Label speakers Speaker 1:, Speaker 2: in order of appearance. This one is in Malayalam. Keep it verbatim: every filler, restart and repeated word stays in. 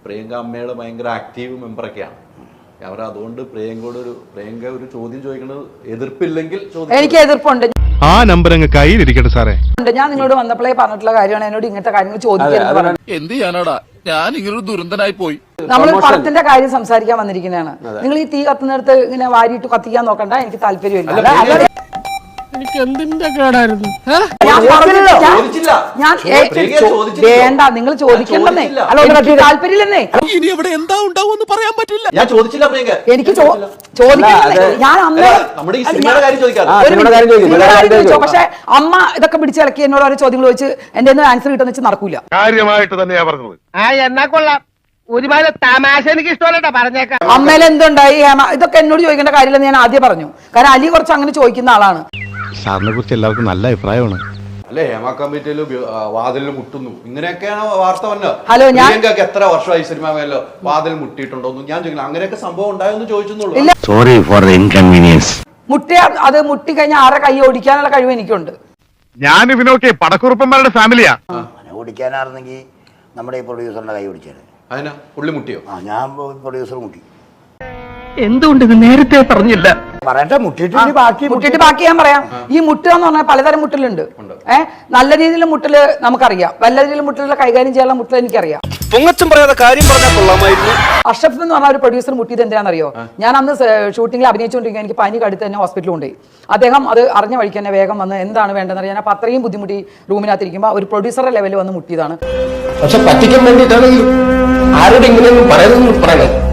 Speaker 1: പ്രിയങ്ക അമ്മയുടെ ഭയങ്കര ആക്റ്റീവ് മെമ്പറൊക്കെയാണ് അവർ. അതുകൊണ്ട് പ്രിയങ്കയോട് ഒരു പ്രിയങ്ക ഒരു ചോദ്യം ചോദിക്കുന്നത് എതിർപ്പില്ലെങ്കിൽ
Speaker 2: എനിക്ക് എതിർപ്പുണ്ട്.
Speaker 3: ആ നമ്പർ അങ്ങ് കയ്യിലിരിക്കട്ടെ സാറേ.
Speaker 2: ഞാൻ നിങ്ങളോട് വന്നപ്പോഴേ പറഞ്ഞിട്ടുള്ള കാര്യമാണ് എന്നോട് ഇങ്ങനത്തെ കാര്യങ്ങൾ ചോദിക്കുന്നത്.
Speaker 4: എന്ത് ചെയ്യാനാടാ, ഞാൻ ഇങ്ങനൊരു ദുരന്തനായി പോയി.
Speaker 2: നമ്മൾ പണത്തിന്റെ കാര്യം സംസാരിക്കാൻ വന്നിരിക്കുന്നതാണ്. നിങ്ങൾ ഈ തീ കത്തുന്നിടത്ത് ഇങ്ങനെ വാരിയിട്ട് കത്തിക്കാൻ നോക്കണ്ട, എനിക്ക് താല്പര്യമില്ല.
Speaker 5: എനിക്ക് എന്തിന്റെ കേടായിരുന്നു?
Speaker 2: വേണ്ട, നിങ്ങൾ ചോദിക്കണ്ടെന്നേ. താല്പര്യമില്ലെന്നേ.
Speaker 4: ഇനി ഇവിടെ എന്താ ഉണ്ടാവും പറയാൻ പറ്റില്ല.
Speaker 1: ഞാൻ ചോദിച്ചില്ല പ്രിയങ്ക.
Speaker 2: എനിക്ക് ചോദിക്കണ്ടേ. ഞാൻ അമ്മ പക്ഷെ അമ്മ ഇതൊക്കെ പിടിച്ചിളക്കി എന്നോട് ഓരോ ചോദ്യങ്ങൾ ചോദിച്ച് എന്റെ ആൻസർ കിട്ടുന്ന വെച്ച് നടക്കൂല.
Speaker 3: കാര്യമായിട്ട് തന്നെയാ പറഞ്ഞത്.
Speaker 5: ആ എന്നാ കൊള്ളാം. ഒരുപാട് തമാശ എനിക്ക് ഇഷ്ടമല്ലട്ടാ, പറഞ്ഞേക്കാം.
Speaker 2: അമ്മയിൽ എന്തുണ്ടായി ഹേമ, ഇതൊക്കെ എന്നോട് ചോദിക്കേണ്ട കാര്യമില്ലെന്ന് ഞാൻ ആദ്യം പറഞ്ഞു. കാരണം അലി കുറച്ച് അങ്ങനെ ചോദിക്കുന്ന ആളാണ്.
Speaker 3: സാറിനെ കുറിച്ച് എല്ലാവർക്കും നല്ല അഭിപ്രായമാണ്.
Speaker 1: അല്ലെ ഹേമ കമ്മിറ്റിയില് വാതിലിൽ മുട്ടുന്നു ഇങ്ങനെയൊക്കെയാണ് വാർത്ത വന്നത്.
Speaker 2: ഹലോ, ഞാൻ
Speaker 1: എത്ര വർഷമായി സിനിമ മേലോ വാതിൽ മുട്ടിയിട്ടുണ്ടോ ഞാൻ ചോദിക്കില്ല. അങ്ങനെയൊക്കെ സംഭവം ഉണ്ടായെന്ന് ചോദിച്ചെന്നുള്ളൂ.
Speaker 3: Sorry for the inconvenience.
Speaker 2: മുട്ടിയ അത് മുട്ടി കഴിഞ്ഞാൽ ആരെ കൈ ഓടിക്കാനുള്ള കഴിവ് എനിക്കുണ്ട്.
Speaker 3: ഞാൻ ഇവനൊക്കെ പടക്കുറുപ്പന്മാരുടെ ഫാമിലിയാ.
Speaker 6: ഓടിക്കാനായിരുന്നെങ്കിൽ നമ്മുടെ ഈ പ്രൊഡ്യൂസറിന്റെ കൈ ഓടിച്ചേനെ.
Speaker 1: അതിനാ പുള്ളി മുട്ടിയോ?
Speaker 6: ആ, ഞാൻ പ്രൊഡ്യൂസർ മുട്ടി.
Speaker 5: എന്തുകൊണ്ട് ഇത് നേരത്തെ പറഞ്ഞില്ല?
Speaker 6: പറയട്ടെ, മുട്ടിട്ട് ബാക്കി
Speaker 2: മുട്ടിട്ട് ബാക്കി ഞാൻ പറയാം. ഈ മുട്ടുക എന്ന് പറഞ്ഞാൽ പലതരം മുട്ടലുണ്ട്. ഏഹ് നല്ല രീതിയിലുള്ള മുട്ടല് നമുക്കറിയാം, വല്ല രീതിയിലുള്ള മുട്ടലുകൾ കൈകാര്യം ചെയ്യാനുള്ള മുട്ടൽ എനിക്കറിയാം.
Speaker 4: പൊങ്ങച്ചം പറയാതെ കാര്യം പറഞ്ഞാൽ കൊള്ളാമായിരുന്നു.
Speaker 2: അഷ്റഫ് എന്ന് പറഞ്ഞ ഒരു പ്രൊഡ്യൂസർ മുട്ടിയത് എന്തിനാണെന്നറിയോ? ഞാൻ അന്ന് ഷൂട്ടിംഗിൽ അഭിനയിച്ചുകൊണ്ടിരിക്കുക, എനിക്ക് പനി കടുത്ത് തന്നെ ഹോസ്പിറ്റലിൽ കൊണ്ടുപോയി. അദ്ദേഹം അത് അറിഞ്ഞ വഴിക്ക് തന്നെ വേഗം വന്ന് എന്താണ് വേണ്ടതെന്ന് അറിയാൻ അപ്പൊ അത്രയും ബുദ്ധിമുട്ടി റൂമിനകത്തിരിക്കുമ്പോൾ ഒരു പ്രൊഡ്യൂസറുടെ ലെവലിൽ വന്ന് മുട്ടിയതാണ്.
Speaker 7: പക്ഷെ പറ്റിക്കാൻ വേണ്ടിയിട്ടാണെങ്കിൽ ആരോട് ഇങ്ങനെയൊന്നും പറയുന്നൊന്നും പറയണം.